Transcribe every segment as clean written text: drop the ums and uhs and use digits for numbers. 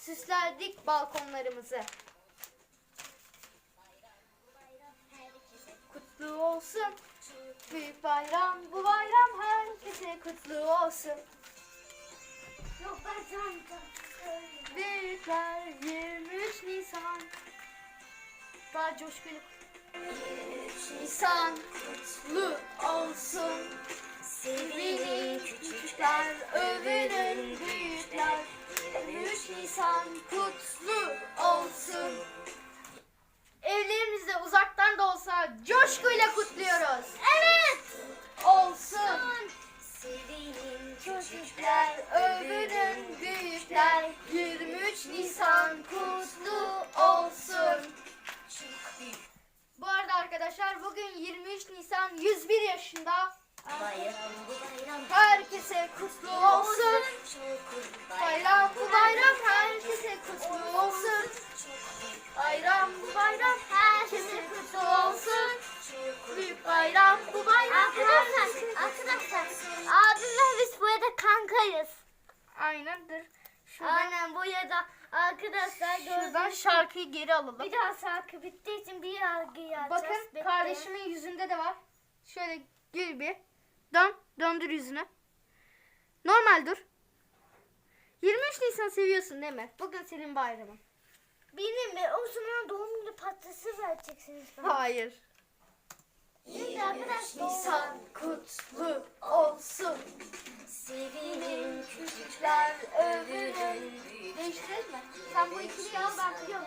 süslerdik balkonlarımızı. Kutlu olsun büyük bayram, bu bayram herkese kutlu olsun. Yok ben sana Büyükler 23 Nisan. Daha coşkulu. 23 Nisan kutlu olsun. Sevinin küçükler, övünün büyükler. 23 Nisan kutlu olsun. Evlerimizde uzaktan da olsa coşkuyla kutluyoruz. Evet. Olsun. Sevinin küçükler, övünün büyükler. 23 Nisan kutlu olsun. Bu arada arkadaşlar bugün 23 Nisan 101 yaşında. bayram bu bayram. Herkese kutlu olsun. Bayram bu bayram herkese kutlu olsun. Bayram bu bayram herkese kutlu olsun. Büyük bayram bu bayram. Arkadaşlar abimle biz burada kankayız. Aynıdır. Şuradan, Aynen bu ya da arkadaşlar şuradan gördüğünüz şarkıyı geri alalım. bir daha şarkı bittiği için bir yargıyı açacağız. Bakın Bitti. kardeşimin yüzünde de var. Şöyle gül bir. Döndür yüzünü. Normal dur. 23 Nisan seviyorsun değil mi? Bugün senin bayramın. Benim mi? O zaman doğum günü pastası vereceksiniz bana. Hayır. Şimdi arkadaşlar Nisan kutlu olsun. Sevinin küçükler, övünün. Değiştirelim mi? Sen bu ikiliyi al, ben biliyorum.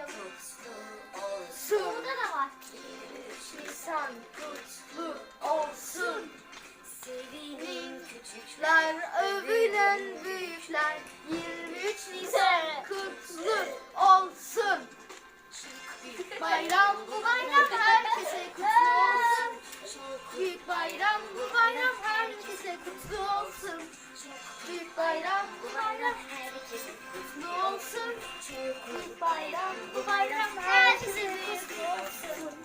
Olsun. burada da var. Nisan kutlu olsun. Sevinin küçükler, övünen büyükler. 23 Nisan kutlu olsun. Bayram bu bayram herkese kutlu olsun. Büyük bayram bu bayram herkese kutlu olsun. Büyük bayram bu bayram herkese kutlu olsun. Büyük bayram bu bayram herkese kutlu olsun.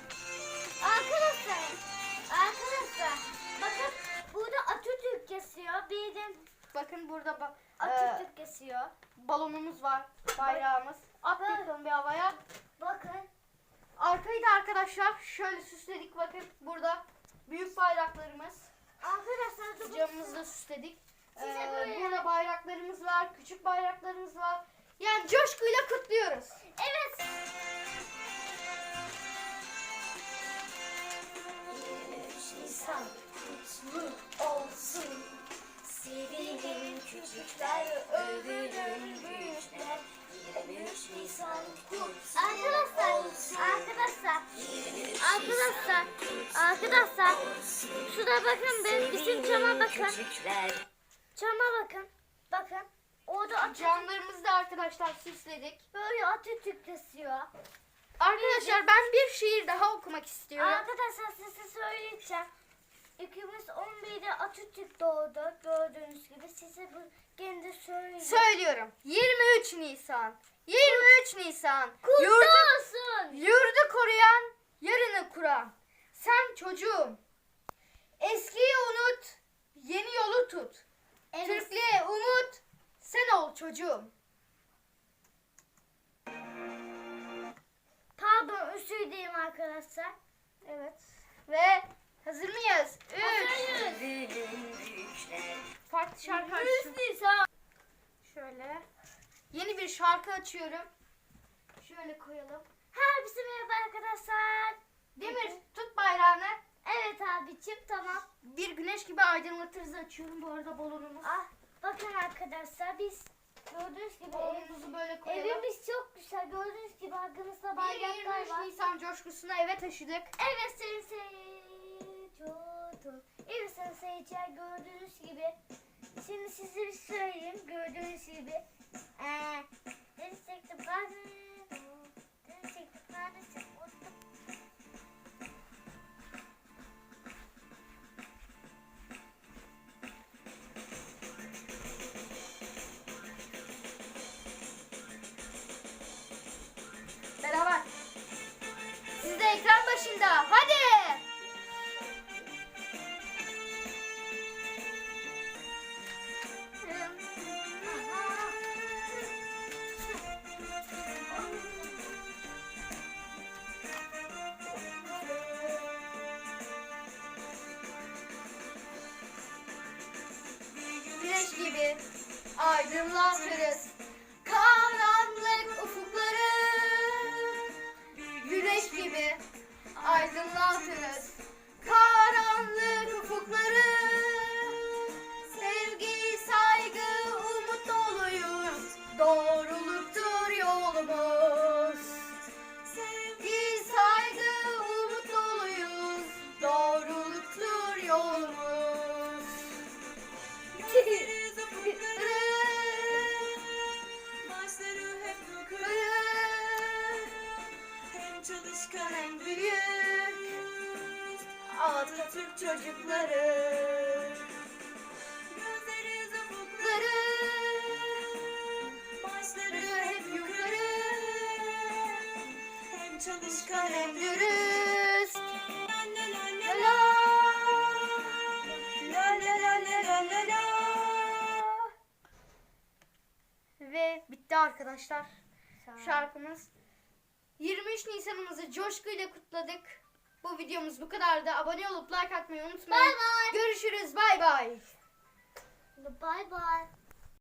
Arkadaşlar bakın burada Atatürk kesiyor. Bir de Bakın burada Atatürk kesiyor. balonumuz var, bayrağımız. At bakalım bir havaya. Bakın. Arkayı da arkadaşlar şöyle süsledik, bakın burada büyük bayraklarımız. Arkadaşlar dur. Camımızı da süsledik. Size böyle- Burada bayraklarımız var, küçük bayraklarımız var. Yani coşkuyla kutluyoruz. Evet. Nisan kutlu olsun. Sevinin küçükler, övünün büyükler. 23 Nisan kutlu Arkadaşlar. Şurada bakın bizim cama bakın. Cama bakın. Bakın. Orada Atatürk Camlarımızı da arkadaşlar süsledik. böyle Atatürk kesiyor. Arkadaşlar ben bir şiir daha okumak istiyorum. Arkadaşlar size söyleyeceğim. 2011'de Atatürk doğdu. Gördüğünüz gibi size bu gene de söyleyeyim. Söylüyorum. 23 Nisan. 23 Nisan. Kutlu Yurdu, olsun. yurdu koruyan, yarını kuran. Sen çocuğum. Eskiyi unut, yeni yolu tut. Evet. Türklüğe umut, sen ol çocuğum. Pardon üstüydeyim arkadaşlar. Evet. Ve hazır mıyız? 3. Hazırız. Farklı şarkı 23 açtım. Nisan. Şöyle. Yeni bir şarkı açıyorum. Şöyle koyalım. Herkese merhaba arkadaşlar. Demir tut bayrağını. Evet abicim tamam. Bir güneş gibi aydınlatırız, açıyorum bu arada balonumuz. Ah bakın arkadaşlar biz gördüğünüz gibi Balonumuzu böyle koyalım. evimiz çok güzel. Gördüğünüz gibi arkamızda 23 bayraklar var. Nisan coşkusunu eve taşıdık. Evet sayın seyirciler. Evet sayın seyirciler gördüğünüz gibi. Şimdi size bir söyleyeyim. Gördüğünüz gibi. Deniz çektim karnım. Deniz çektim karnım. Beraber. Siz de ekran başında. Hadi. gibi aydınlatırız karanlık ufukları. Güneş gibi aydınlatırız karanlık ufukları. Sevgi, saygı, umut doluyuz, doğruluktur yolumuz. Sevgi, saygı, umut doluyuz, doğruluktur yolumuz. Başları hep yukarı, hem çalışkan hem Büyük Atatürk çocukları. gözleri ufukları, başları hep yukarı, hem çalışkan hem Dürüst. la la la La la la la la la la la. Ve bitti arkadaşlar şarkımız. 23 Nisan'ımızı coşkuyla kutladık. Bu videomuz bu kadardı. Abone olup like atmayı unutmayın. Bay bay. Görüşürüz. Bay bay. Bye bye.